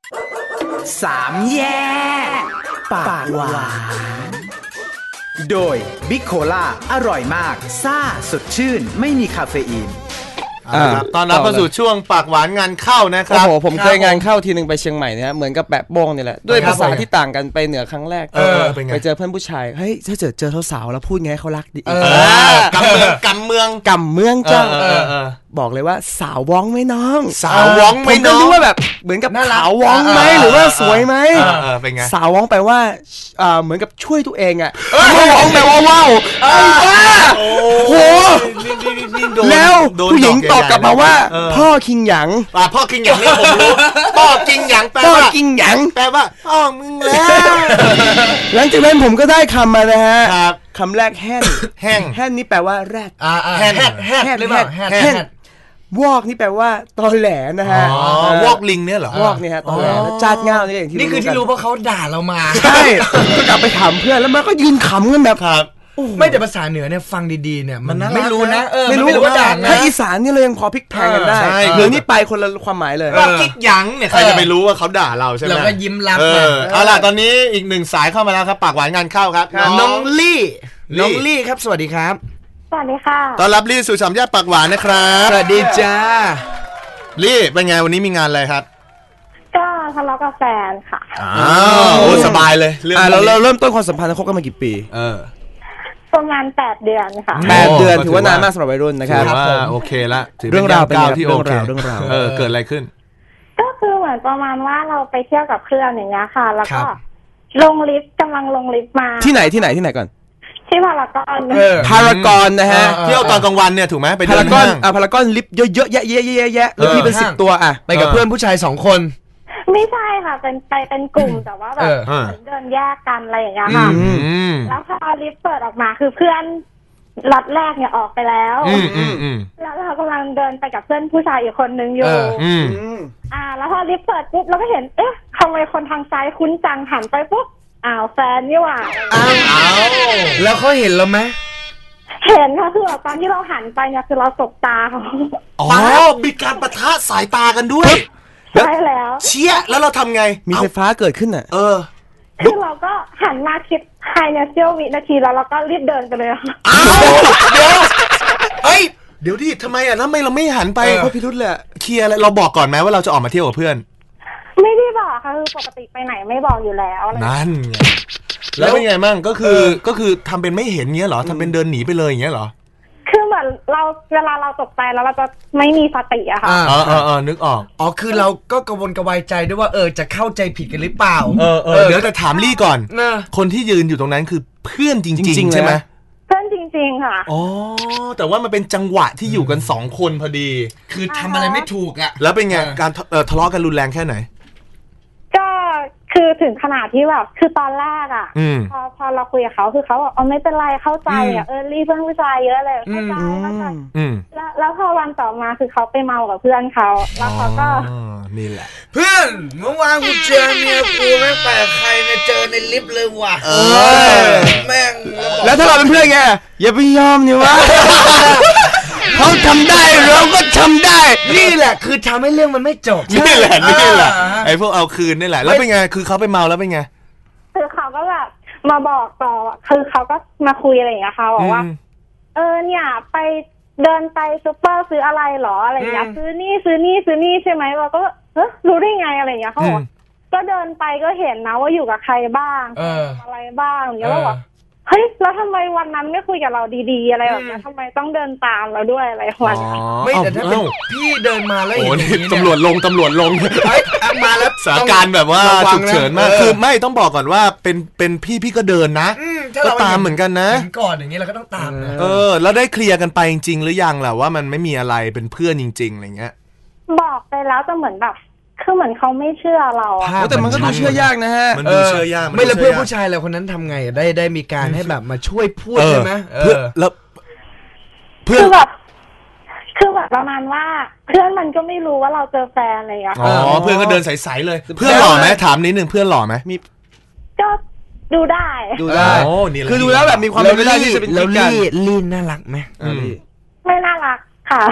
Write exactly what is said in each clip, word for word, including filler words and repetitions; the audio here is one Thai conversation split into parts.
สามแยกปากหวานโดยบิ๊กโคล่าอร่อยมากซ่าสดชื่นไม่มีคาเฟอีนตอนรับเข้าสู่ช่วงปากหวานงานเข้านะครับโอ้โหผมเคยงานเข้าทีนึงไปเชียงใหม่เนี่ยเหมือนกับแปะโป้งนี่แหละด้วยภาษาที่ต่างกันไปเหนือครั้งแรกไปเจอเพื่อนผู้ชายเฮ้ยถ้าเจอเจอสาวแล้วพูดไงเขารักดีกำเมืองกำเมืองกำเมืองเจ้าบอกเลยว่าสาวว้องไหมน้องสาวว้องไหมน้องผมก็รู้ว่าแบบเหมือนกับสาวว้องไหมหรือว่าสวยไหมสาวว้องแปลว่าเหมือนกับช่วยตัวเองอ่ะว้องแปลว่าว้าวโอ้โหแล้วผู้หญิงตอบกลับมาว่าพ่อคิงหยางพ่อคิงหยางนี่ผมรู้พ่อคิงหยางแปลว่าพ่อคิงหยางแปลว่าพ่อมึงแล้วหลังจากนั้นผมก็ได้คำมานะฮะคำแรกแห้งแห้งแห้งนี่แปลว่าแรดแห้งแห้งหรือเปล่าแห้งวอกนี่แปลว่าตอแหลนะฮะวอกลิงเนี่ยเหรอวอกนี่ฮะตอแหลจัดเงาเนี่ยอย่างที่นี่คือที่รู้เพราะเขาด่าเรามาใช่ก็กลับไปถามเพื่อนแล้วมันก็ยืนขำกันแบบไม่แต่ภาษาเหนือเนี่ยฟังดีๆเนี่ยมันไม่รู้นะเออไม่รู้ว่าด่าถ้าอีสานนี่เรายังพอพลิกแพลงกันได้เหนือนี่ไปคนละความหมายเลยว่าคิกหยังเนี่ยใครจะไปรู้ว่าเขาด่าเราใช่ไหมเราก็ยิ้มรับเอาล่ะตอนนี้อีกหนึ่งสายเข้ามาแล้วครับปากหวานงานเข้าครับน้องลี่น้องลี่ครับสวัสดีครับสวัสดีค่ะต้อนรับลี่สู่สามแยกปากหวานนะครับสวัสดีจ้าลี่เป็นไงวันนี้มีงานอะไรครับก็ทะเลาะกับแฟนค่ะอ้าวโอ้สบายเลยเรื่องเราเราเริ่มต้นความสัมพันธ์คบกันมากี่ปีเออประมาณแปดเดือนค่ะแปดเดือนถือว่านานมากสำหรับวัยรุ่นนะครับว่าโอเคละเรื่องราวเป็นที่โอเคเรื่องราวเออเกิดอะไรขึ้นก็คือเหมือนประมาณว่าเราไปเที่ยวกับเพื่อนอย่างเงี้ยค่ะแล้วก็ลงลิฟต์กำลังลงลิฟต์มาที่ไหนที่ไหนที่ไหนก่อนที่พารากอนพารากอนนะฮะเที่ยวตอนกลางวันเนี่ยถูกไหมไปพารากอนอ่ะพารากอนลิฟต์เยอะๆแยะๆๆแล้วพี่เป็นสิบตัวอ่ะไปกับเพื่อนผู้ชายสองคนไม่ใช่ค่ะเป็นไปเป็นกลุ่มแต่ว่าแบบเดินแยกกันอะไรอย่างเงี้ยค่ะแล้วพอลิฟต์เปิดออกมาคือเพื่อนล็อตแรกเนี่ยออกไปแล้วแล้วเรากำลังเดินไปกับเพื่อนผู้ชายอีกคนนึงอยู่อ่าแล้วพอลิฟต์เปิดปุ๊บเราก็เห็นเอ๊ะทำไมคนทางซ้ายคุ้นจังหันไปปุ๊บอ้าวแฟนนี่หว่าอ้าวแล้วเขาเห็นเราไหมเห็นค่ะคือตอนที่เราหันไปเนี่ยคือเราตกตาเขาอ๋อมีการปะทะสายตากันด้วยใช่แล้วเชี่ยแล้วเราทำไงมีไฟฟ้าเกิดขึ้นอ่ะเออคือเราก็หันมาคิดภายในเสี้ยววินาทีแล้วเราก็รีบเดินไปเลยค่ะอ้าวเดี๋ยวเอ้ยเดี๋ยวดิทำไมอ่ะแล้วทำไมเราไม่หันไปเพราะพิรุธเลยเคลียร์อะไรเราบอกก่อนไหมว่าเราจะออกมาเที่ยวกับเพื่อนไม่ได้บอกค่ะคือปกติไปไหนไม่บอกอยู่แล้วนั่นไงแล้วเป็นไงมั่งก็คือก็คือทำเป็นไม่เห็นเงี้ยเหรอทำเป็นเดินหนีไปเลยอย่างเงี้ยเหรอคือเหมือนเราเวลาเราตกใจแล้วเราจะไม่มีสติอะค่ะอ๋ออ๋อนึกออกอ๋อคือเราก็กังวลกระวายใจด้วยว่าเออจะเข้าใจผิดกันหรือเปล่าเออเออเดี๋ยวแต่ถามลี่ก่อนคนที่ยืนอยู่ตรงนั้นคือเพื่อนจริงๆใช่ไหมเพื่อนจริงๆค่ะอ๋อแต่ว่ามันเป็นจังหวะที่อยู่กันสองคนพอดีคือทำอะไรไม่ถูกอะแล้วเป็นไงการทะเลาะกันรุนแรงแค่ไหนก็คือถึงขนาดที่แบบคือตอนแรกอ่ะพอพอเราคุยกับเขาคือเขาบอกอ๋อไม่เป็นไรเข้าใจอ่ะเออรีเพื่อนผู้ชายเยอะเลยเข้าใจเข้าใจแล้วแล้วพอวันต่อมาคือเขาไปเมากับเพื่อนเขาแล้วเขาก็นี่แหละเพื่อนเมื่อวานกูเจอเมียกูแม่งแปลกใครเนี่ยเจอในลิฟต์เลยว่ะเออแม่งแล้วถ้าเราเป็นเพื่อนไงอย่าไปยอมนี่วะเขาทำได้เราก็ทำได้นี่แหละคือทำให้เรื่องมันไม่จบนี่แหละนี่แหละไอ้พวกเอาคืนนี่แหละแล้วเป็นไงคือเขาไปเมาแล้วเป็นไงคือเขาก็แบบมาบอกต่อคือเขาก็มาคุยอะไรอย่างเงี้ยค่ะบอกว่าเออเนี่ยไปเดินไปซุปเปอร์ซื้ออะไรหรออะไรอย่างเงี้ยซื้อนี่ซื้อนี่ซื้อนี่ใช่ไหมเราก็เออรู้ได้ไงอะไรอย่างเงี้ยเขาบอกก็เดินไปก็เห็นนะว่าอยู่กับใครบ้างอะไรบ้างอย่างเงี้ยแล้วบอกเฮ้ยแล้วทำไมวันนั้นไม่คุยกับเราดีๆอะไรแบบนี้ทำไมต้องเดินตามเราด้วยอะไรวันไม่แต่ถ้าเป็นพี่เดินมาแล้วเห็นอย่างนี้ตำรวจลงตำรวจลงมาแล้วสถานการณ์แบบว่าฉุกเฉินมากคือไม่ต้องบอกก่อนว่าเป็นเป็นพี่พี่ก็เดินนะก็ตามเหมือนกันนะก่อนอย่างนี้เราก็ต้องตามนะเออแล้วได้เคลียร์กันไปจริงๆหรือยังล่ะว่ามันไม่มีอะไรเป็นเพื่อนจริงๆอะไรเงี้ยบอกไปแล้วแต่เหมือนแบบคือเหมือนเขาไม่เชื่อเราอะแต่มันก็ดูเชื่อยากนะฮะมันดูเชื่อยากไม่แล้วเพื่อนผู้ชายเราคนนั้นทำไงได้ได้มีการให้แบบมาช่วยพูดใช่ไหมเพื่อแล้วเพื่อนแบบคือแบบประมาณว่าเพื่อนมันก็ไม่รู้ว่าเราเจอแฟนอะไรอย่างเงี้ยอ๋อเพื่อนก็เดินใสๆเลยเพื่อนหล่อไหมถามนิดนึงเพื่อนหล่อไหมมีก็ดูได้ดูได้คือดูแล้วแบบมีความเป็นไปได้ที่จะเป็นแล้วลี่ลี่น่ารักไหมไม่น่ารักค่ะ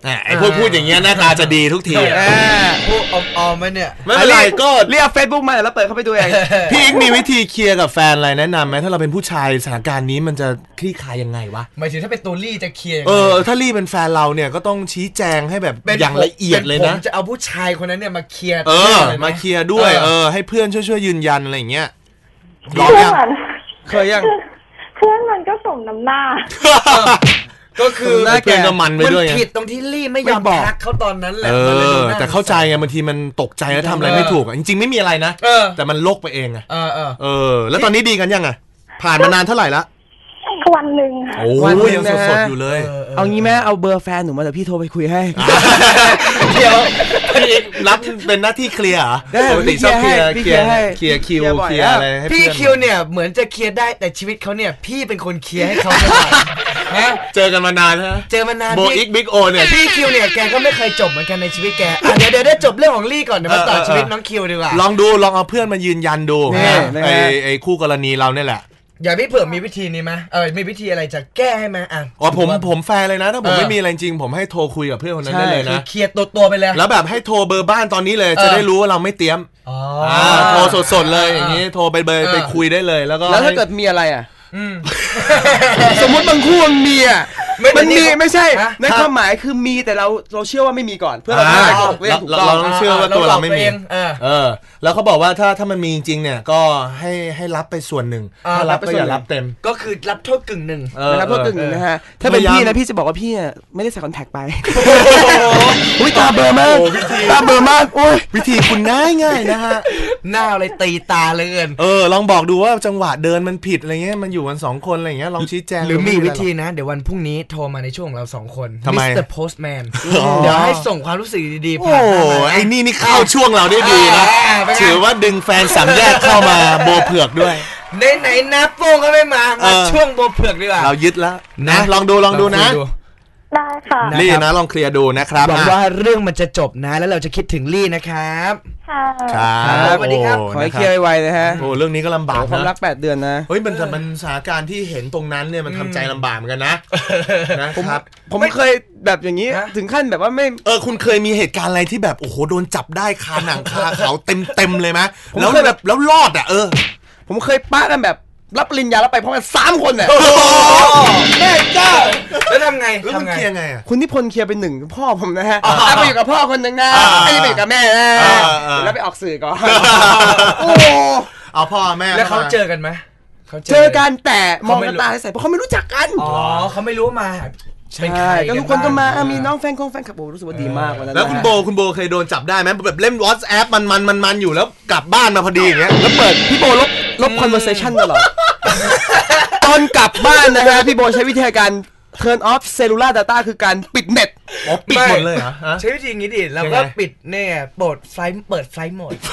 ไอ้พวกพูดอย่างเงี้ยหน้าตาจะดีทุกทีพูดออมๆไหมเนี่ยไม่เป็นไรก็เรียกเฟซบุ๊กมาแล้วเปิดเข้าไปดูเองพี่อีกมีวิธีเคลียร์กับแฟนอะไรแนะนำไหมถ้าเราเป็นผู้ชายสถานการณ์นี้มันจะคลี่คลายยังไงวะหมายถึงถ้าเป็นตัวลี่จะเคลียร์เออถ้าลี่เป็นแฟนเราเนี่ยก็ต้องชี้แจงให้แบบอย่างละเอียดเลยนะผมจะเอาผู้ชายคนนั้นเนี่ยมาเคลียร์เออมาเคลียร์ด้วยเออให้เพื่อนช่วยๆยืนยันอะไรอย่างเงี้ยลองยังเคยยังเพื่อนมันก็สมน้ำหน้าก็คือเพื่อนก็มันไปด้วยมันผิดตรงที่ลี่ไม่ยอมทักเขาตอนนั้นแหละเออแต่เข้าใจไงบางทีมันตกใจแล้วทำอะไรไม่ถูกจริงๆไม่มีอะไรนะแต่มันโลกไปเองไงเออเออแล้วตอนนี้ดีกันยังไงผ่านมานานเท่าไหร่ละวันหนึ่งโอ้ยยังสดๆอยู่เลยเอางี้แม่เอาเบอร์แฟนหนูมาเดี๋ยวพี่โทรไปคุยให้เดี๋ยวพี่รับเป็นหน้าที่เคลียร์เหรอปกติชอบเคลียร์เคลียร์เคลียร์คิวเคลียร์อะไรพี่คิวเนี่ยเหมือนจะเคลียร์ได้แต่ชีวิตเขาเนี่ยพี่เป็นคนเคลียร์ให้เขาฮะเจอกันมานานฮะเจอมานานโบอิกบิ๊กโอเนี่ยพี่คิวเนี่ยแกก็ไม่เคยจบเหมือนกันในชีวิตแกเดี๋ยวเดี๋ยวได้จบเรื่องของลี่ก่อนเดี๋ยวมาต่อชีวิตน้องคิวดีกว่าลองดูลองเอาเพื่อนมายืนยันดูไอ้ไอ้คู่กรณีเราเนี่ยแหละอย่าพี่เผื่อมีวิธีนี้ไหมเออมีวิธีอะไรจะแก้ให้ไหมอ่ะอ๋อผมผมแฟร์เลยนะถ้าผมไม่มีอะไรจริงผมให้โทรคุยกับเพื่อนคนนั้นได้เลยนะเคลียร์ตัวตัวไปเลยแล้วแบบให้โทรเบอร์บ้านตอนนี้เลยจะได้รู้ว่าเราไม่เตรียมอ๋อโทรสดๆเลยอย่างนี้โทรไปเบอร์ไปคุยได้เลยแล้วก็แล้วถ้าเกิดมีอะไรอ่ะสมมติบางคู่มันมีอ่ะมันมีไม่ใช่ในความหมายคือมีแต่เราเราเชื่อว่าไม่มีก่อนเพื่อเราไม่ถูกเรื่องถูกต้องเราต้องเชื่อว่าตัวเราไม่มีเออแล้วเขาบอกว่าถ้าถ้ามันมีจริงเนี่ยก็ให้ให้รับไปส่วนหนึ่งถ้ารับก็อย่ารับเต็มก็คือรับโทษกึ่งหนึ่งรับโทษกึ่งหนึ่งนะฮะถ้าเป็นพี่นะพี่จะบอกว่าพี่ไม่ได้ใส่คอนแทคไปอุ้ยตาเบอร์มากตาเบอร์มากโอ้ยวิธีคุณง่ายง่ายนะฮะหน้าอะไรตีตาเลยเกินเออลองบอกดูว่าจังหวะเดินมันผิดอะไรเงี้ยมันอยู่กันสองคนอะไรเงี้ยลองชี้แจงหรือมีวิธีนะเดี๋ยววันพรุ่งนี้โทรมาในช่วงเราสองคนมิสเตอร์โพสต์แมนเดี๋ยวให้ส่งความรู้สึกดีๆผ่านมาไอ้นี่นี่เข้าช่วงเราได้ดีนะถือว่าดึงแฟนสามแยกเข้ามาโบเผือกด้วยไหนไหนนะโป้งก็ไม่มามาช่วงโบเผือกดีกว่าเรายึดแล้วนะลองดูลองดูนะได้ค่ะลี่นะลองเคลียร์ดูนะครับหวังว่าเรื่องมันจะจบนะแล้วเราจะคิดถึงลี่นะครับค่ะครับสวัสดีครับขอให้เคลียร์ไวๆนะฮะโอ้เรื่องนี้ก็ลำบากนะความรักแปดเดือนนะเฮ้ยมันแต่มันสถานการณ์ที่เห็นตรงนั้นเนี่ยมันทำใจลำบากเหมือนกันนะนะครับผมเคยแบบอย่างนี้ถึงขั้นแบบว่าไม่เออคุณเคยมีเหตุการณ์อะไรที่แบบโอ้โหโดนจับได้คาหนังคาเขาเต็มเต็มเลยไหมแล้วแบบแล้วรอดอ่ะเออผมเคยป้ากันแบบรับปริญญาแล้วไปพร้อมกันสามคนเนี่ยแม่เจ้าแล้วทำไงทำไงไงอ่ะคุณนิพนธ์เคลียร์เป็นหนึ่งพ่อผมนะฮะไปอยู่กับพ่อคนหนึ่งนะไอ้ไปอยู่กับแม่นะแล้วไปออกสื่อก่อนโอ้เอาพ่อแม่แล้วเขาเจอกันไหมเจอกันแต่มองกันตาใส่เพราะเขาไม่รู้จักกันอ๋อเขาไม่รู้มาใช่ก็ทุกคนก็มามีน้องแฟนคงแฟนคลับโอ้รู้สึกว่าดีมากวันนั้นแล้วคุณโบคุณโบเคยโดนจับได้ไหมแบบเล่น WhatsApp มันมันมันมันอยู่แล้วกลับบ้านมาพอดีอย่างเงี้ยแล้วเปิดพี่โบลบลบ conversation ตลอดตอนกลับบ้านนะฮะพี่โบใช้วิธีการ turn off cellular data คือการปิดเน็ตอ๋อปิดหมดเลยเหรอใช้วิธีงี้ดิแล้วก็ปิดเนี่ยเปิดไฟเปิดไฟโหมด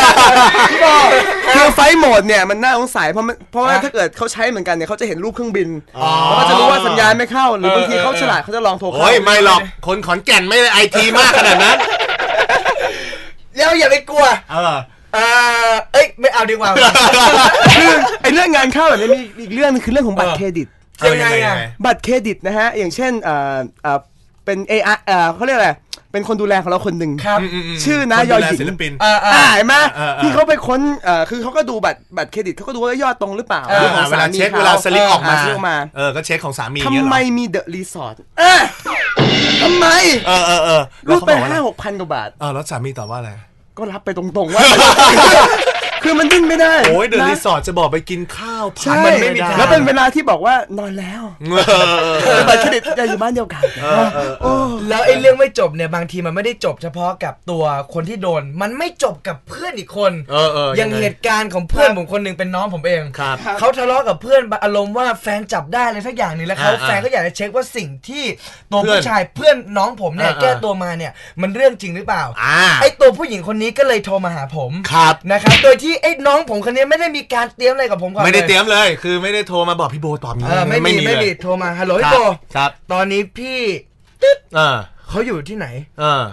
คือไฟโหมดเนี่ยมันน่าสงสัยเพราะเพราะว่าถ้าเกิดเขาใช้เหมือนกันเนี่ยเขาจะเห็นรูปเครื่องบินแล้วก็จะรู้ว่าสัญญาณไม่เข้าหรือบางทีเขาฉลาดเขาจะลองโทรเข้าโอ้ยไม่หรอกคนขอนแก่นไม่ได้ไอทีมากขนาดนั้นแล้วอย่าไปกลัวเออเออเอ้ยไม่เอาดีกว่าคือไอ้เรื่องงานเข้าแบบนี้มีอีกเรื่องนึงคือเรื่องของบัตรเครดิตยังไงอ่ะบัตรเครดิตนะฮะอย่างเช่นเอ่อเอ่อเป็น เอ ไอ เอ่อเขาเรียกอะไรเป็นคนดูแลของเราคนหนึ่งชื่อนายอหญิงอ่าเห็นไหมที่เขาไปค้นเอ่อคือเขาก็ดูบัตรบัตรเครดิตเขาก็ดูว่ายอดตรงหรือเปล่าเวลาเช็คเวลาสลิปออกมาเออก็เช็คของสามีทำไมมีเดอะรีสอร์ททำไมเออเออเออรูปไปห้าหกพันกว่าบาทเออแล้วสามีตอบว่าอะไรก็รับไปตรงๆว่าคือมันดิ้นไม่ได้โอ้ยเดอะรีสอร์ทจะบอกไปกินข้าวพันมันไม่มีแล้วเป็นเวลาที่บอกว่านอนแล้วบัตรเครดิตจะอยู่บ้านเดียวกันแล้วไอ้เรื่องไม่จบเนี่ยบางทีมันไม่ได้จบเฉพาะกับตัวคนที่โดนมันไม่จบกับเพื่อนอีกคนอย่างเหตุการณ์ของเพื่อนผมคนนึงเป็นน้องผมเองเขาทะเลาะกับเพื่อนอารมณ์ว่าแฟนจับได้อะไรสักอย่างนึงแล้วเขาแฟนก็อยากจะเช็คว่าสิ่งที่ตัวผู้ชายเพื่อนน้องผมเนี่ยแก้ตัวมาเนี่ยมันเรื่องจริงหรือเปล่าไอ้ตัวผู้หญิงคนนี้ก็เลยโทรมาหาผมนะครับโดยที่ไอ้น้องผมคนนี้ไม่ได้มีการเตรียมอะไรกับผมก่อนไม่ได้เตรียมเลยคือไม่ได้โทรมาบอกพี่โบตอบนี้ไม่มีไม่มีโทรมาฮัลโหลพี่โบครับตอนนี้พี่ตึ๊ดเขาอยู่ที่ไหน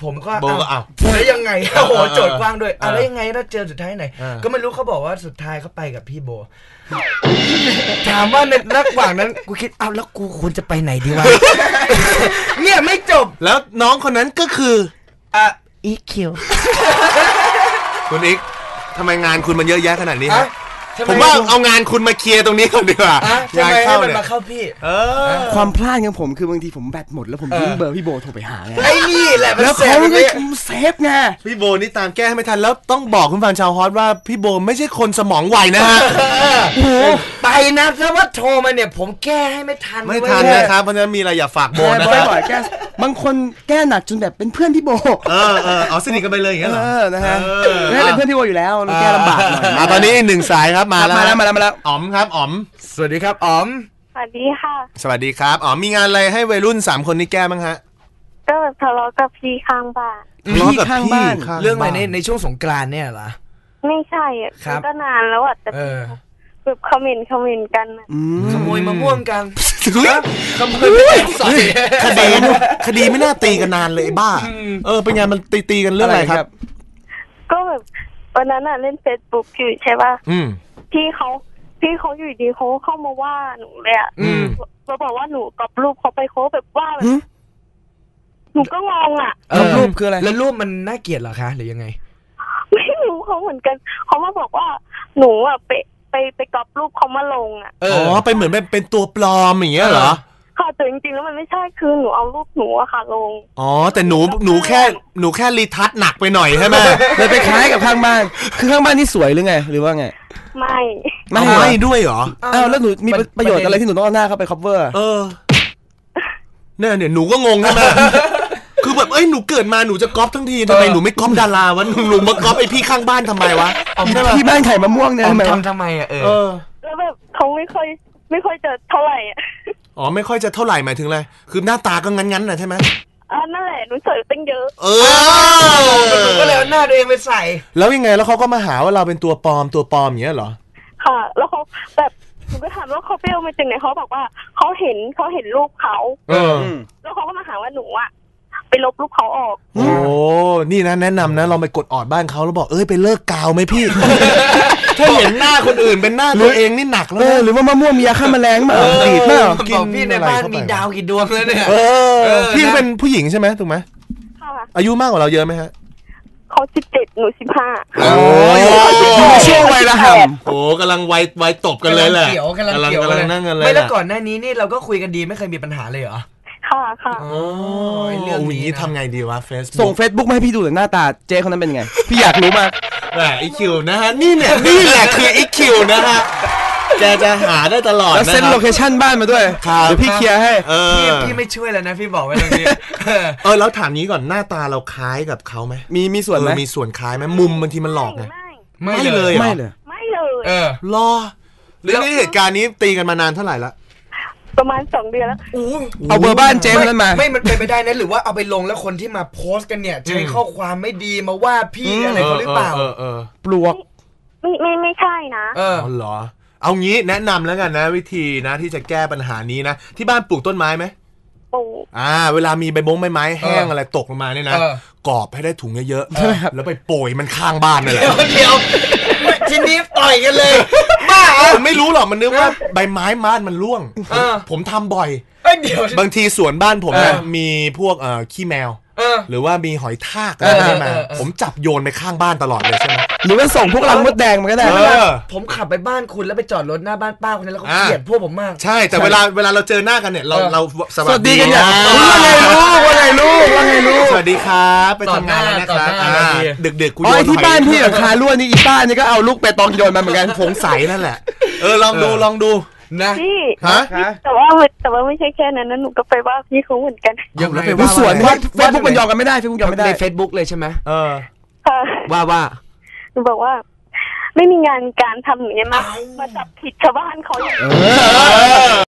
ผมก็โบก็อ้าวแล้วยังไงโอ้โหโจทย์กว้างด้วยอ่ะแล้วยังไงถ้าเจอสุดท้ายไหนก็ไม่รู้เขาบอกว่าสุดท้ายเขาไปกับพี่โบถามว่าในระหว่างนั้นกูคิดเอาแล้วกูควรจะไปไหนดีวะเนี่ยไม่จบแล้วน้องคนนั้นก็คืออ่ะอีคิวคุณอีกทำไมงานคุณมันเยอะแยะขนาดนี้ฮะทำไผมว่าเอางานคุณมาเคลียร์ตรงนี้ก่อนดีกว่าอ่ะทำไมให้มันมาเข้าพี่เออความพลาดของผมคือบางทีผมแบตหมดแล้วผมทิ้งเบอร์พี่โบโทรไปหาไงไอ้นี่แหละมันแล้วแสเขาบก็เลยเซฟไงพี่โบนี่ตามแก้ให้ไม่ทันแล้วต้องบอกคุณฟังชาวฮอตว่าพี่โบไม่ใช่คนสมองไวนะฮะโอ้โหไปนะถ้าว่าโทรมาเนี่ยผมแก้ให้ไม่ทันไม่ทันนะครับเพราะฉะนั้นมีอะไรอย่าฝากโบนะแก้ครับบ่อยแก้บางคนแก้หนักจนแบบเป็นเพื่อนพี่โบเออเออเอาสนิทกันไปเลยอย่างเงี้ยเหรอเออนะฮะเออไม่เป็นเพื่อนพี่โบอยู่แล้วแก้ลำบากหน่อยอ่ะตอนนี้อีกหนึ่งสายครับมาแล้วมาแล้วมาแล้วมาแล้วอ๋อมครับอ๋อมสวัสดีครับอ๋อมสวัสดีค่ะสวัสดีครับอ๋อมมีงานอะไรให้วัยรุ่นสามคนนี้แก้บ้างฮะก็แบบทะเลาะกับพี่ข้างบ้านพี่ข้างบ้านข้เรื่องอะไรในในช่วงสงกรานต์เนี่ยเหรอไม่ใช่อ่ะครับมันก็นานแล้วอ่ะแต่เออแบบคอมเมนต์คอมเมนต์กันอะอืมขโมยมะม่วงกันอุ๊ยขโมยไปใส่คดีคดีไม่น่าตีกันนานเลยไอ้บ้า เออเป็นไงมันตีตีกันเรื่องอะไรครับก็แบบวันนั้นอ่ะเล่นเฟซบุ๊กอยู่ใช่ป่ะอืมพี่เขาพี่เขาอยู่ดีเขาเข้ามาว่าหนูเลยอ่ะอืมมาบอกว่าหนูกอบรูปเขาไปเขาแบบว่าแบบหนูก็งงอ่ะเออรูปคืออะไรแล้วรูปมันน่าเกลียดเหรอคะหรือยังไงไม่รู้เขาเหมือนกันเขามาบอกว่าหนูอ่ะไปไปไปกอบรูปเขามาลงอ่ะเออ๋ออเป็นเหมือนเป็นเป็นตัวปลอมอย่างเงี้ยเหรอค่ะแต่จริงๆแล้วมันไม่ใช่คือหนูเอารูปหนูอะค่ะลงอ๋อแต่หนูหนูแค่หนูแค่รีทัชหนักไปหน่อยใช่ไหมเลยไปคล้ายกับข้างบ้าน คือข้างบ้านนี่สวยหรือไง หรือว่าไงไม่ไม่เอาเหรอไม่ด้วยเหรออ้าวแล้วหนูมีประโยชน์อะไรที่หนูต้องเอาหน้าเข้าไป cover เออเนี่ยเนี่ยหนูก็งงใช่ไหม คือแบบเอ้ยหนูเกิดมาหนูจะก๊อปทั้งทีทำไมหนูไม่ก๊อปดาราวะหนูหนูมาก๊อปไอพี่ข้างบ้านทำไมวะที่บ้านไข่มะม่วงเนี่ยอ๋อทำไมวะทำทำไมอ่ะเอเอออแล้วแบบเขาไม่ค่อยไม่ค่อยจะเท่าไหร่อ่ะอ๋อไม่ค่อยจะเท่าไหร่หมายถึงอะไรคือหน้าตาก็งั้นๆน่ะใช่ไหมอ่านั่นแหละหนูสวยตั้งเยอะเออก็เลยเอาหน้าตัวเองไปใส่แล้วยังไงแล้วเขาก็มาหาว่าเราเป็นตัวปลอมตัวปลอมอย่างเงี้ยเหรอค่ะ แล้วเขาแบบหนูก็ถามว่าเขาไปเอามาจากไหนเขาบอกว่าเขาเห็นเขาเห็นรูปเขาเออแล้วเขาก็มาหาว่าหนูอ่ะไปลบรูปเขาออกโอ้นี่นะแนะนำนะลองไปกดออดบ้านเขาแล้วบอกเอ้ยไปเลิกกาวไหมพี่ ถ้าเห็นหน้าคนอื่นเป็นหน้าตัวเองนี่หนักแล้วเออนะหรือว่ามะม่วงมียาฆ่าแมลงมาดีดเปล่าบอกพี่ในบ้านมีดาวกี่ดวงแล้วเนี่ยเอเอออพี่นะเป็นผู้หญิงใช่ไหมถูกไหมค่ะอายุมากกว่าเราเยอะไหมฮะเขาสิบเจ็ดหนูสิบห้าโอ้ยอยู่ในช่วงวัยระห่ำโอ้กำลังวัยวัยตบกันเลยแหละกำลังเกี่ยวกำลังเกี่ยวกำลังนั่งกันเลยไม่แล้วก่อนหน้านี้นี่เราก็คุยกันดีไม่เคยมีปัญหาเลยเหรอค่ะค่ะโอ้ยเรื่องนี้โอ้ยอย่างนี้นะทำไงดีวะเฟซส่ง Facebook มาให้พี่ดูหน่อยหน้าตาเจ๊คนนั้นเป็นยังไง พี่อยากรู้มากแหมไอคิวนะฮะนี่เนี่ยนี่แหละคือไอคิวนะฮะแกจะหาได้ตลอดแล้วนะเซ็นครัโลบเคชั่นบ้านมาด้วยครับเดี๋ยวพี่เคลียร์ให้เออพี่พี่ไม่ช่วยแล้วนะพี่บอกไว้ตรงนี้เออแล้วถามนี้ก่อนหน้าตาเราคล้ายกับเขาไหมมีมีส่วนไหมเออมีส่วนคล้ายไหมมุมบางทีมันหลอกไงไม่ไม่เลยเหรอไม่เลยไม่เลยเออรอเรื่องนี้เหตุการณ์นี้ตีกันมานานเท่าไหร่ละประมาณสองเดือนแล้วอู้เอาเบอร์บ้านเจ๊คนนั้นมาไม่มันเป็นไปได้นะหรือว่าเอาไปลงแล้วคนที่มาโพสต์กันเนี่ยใช้ข้อความไม่ดีมาว่าพี่อะไรเขาหรือเปล่าเออเออปลวกไม่ไม่ไม่ใช่นะเอออ๋อเหรอเอางี้แนะนำแล้วกันนะ วิธีนะที่จะแก้ปัญหานี้นะที่บ้านปลูกต้นไม้ไหมปูอ่าเวลามีใบมงใบไม้แห้งเออออะไรตกลงมาเนี่ยนะเออกรอบให้ได้ถุงเยอะๆแล้วไปโปรยมันข้างบ้านนั่นแหละเดี๋ยวทีนี้ต่อยกันเลยบ้าผมไม่รู้หรอกมันนึกว่าใบไม้บ้านมันร่วงเออผมทำบ่อยเอ้ยเดี๋ยวบางทีสวนบ้านผมเอนะอมีพวกเอ่อขี้แมวเออหรือว่ามีหอยทากอะไรเออพวกนี้มาเออเออผมจับโยนไปข้างบ้านตลอดเลยใช่ไหมหรือว่าส่งพวกรังมดแดงมาก็ได้เออผมขับไปบ้านคุณแล้วไปจอดรถหน้าบ้านป้าคนนั้นแล้วเขาอ่าเกลียดพวกผมมากใช่แต่เวลาเวลาเราเจอหน้ากันเนี่ยเราเออเราสสวัสดีกันอย่างะว่าไงลูกว่าไงลูกว่าไงลูกสวัสดีครับไปทำงานแล้วนะครับต่อหน้าต่อหน้าอ่าดีดึกๆกูอ๋โยอน ที่หอยบ้านพี่กับคารั่วนี่อีป้านี่ก็เอาลูกไปตองโยนมาเหมือนกันสงสัยนั่นแหละเออลองดูลองดูนะพี่ฮะแต่ว่าแต่ว่าไม่ใช่แค่นั้นนะหนูก็ไปว่าพี่เขาเหมือนกันยังไงดูสวนว่าเฟซบุ๊กมันยอมกันไม่ได้เฟซบุ๊กยอมไม่ได้ในเฟซบุ๊กเลยใช่ไหมเออค่ะว่าว่าหนูบอกว่า ไม่มีงานการทำอย่างเงี้ยมามาจับผิดชาวบ้านเขาอย่างนี้เออ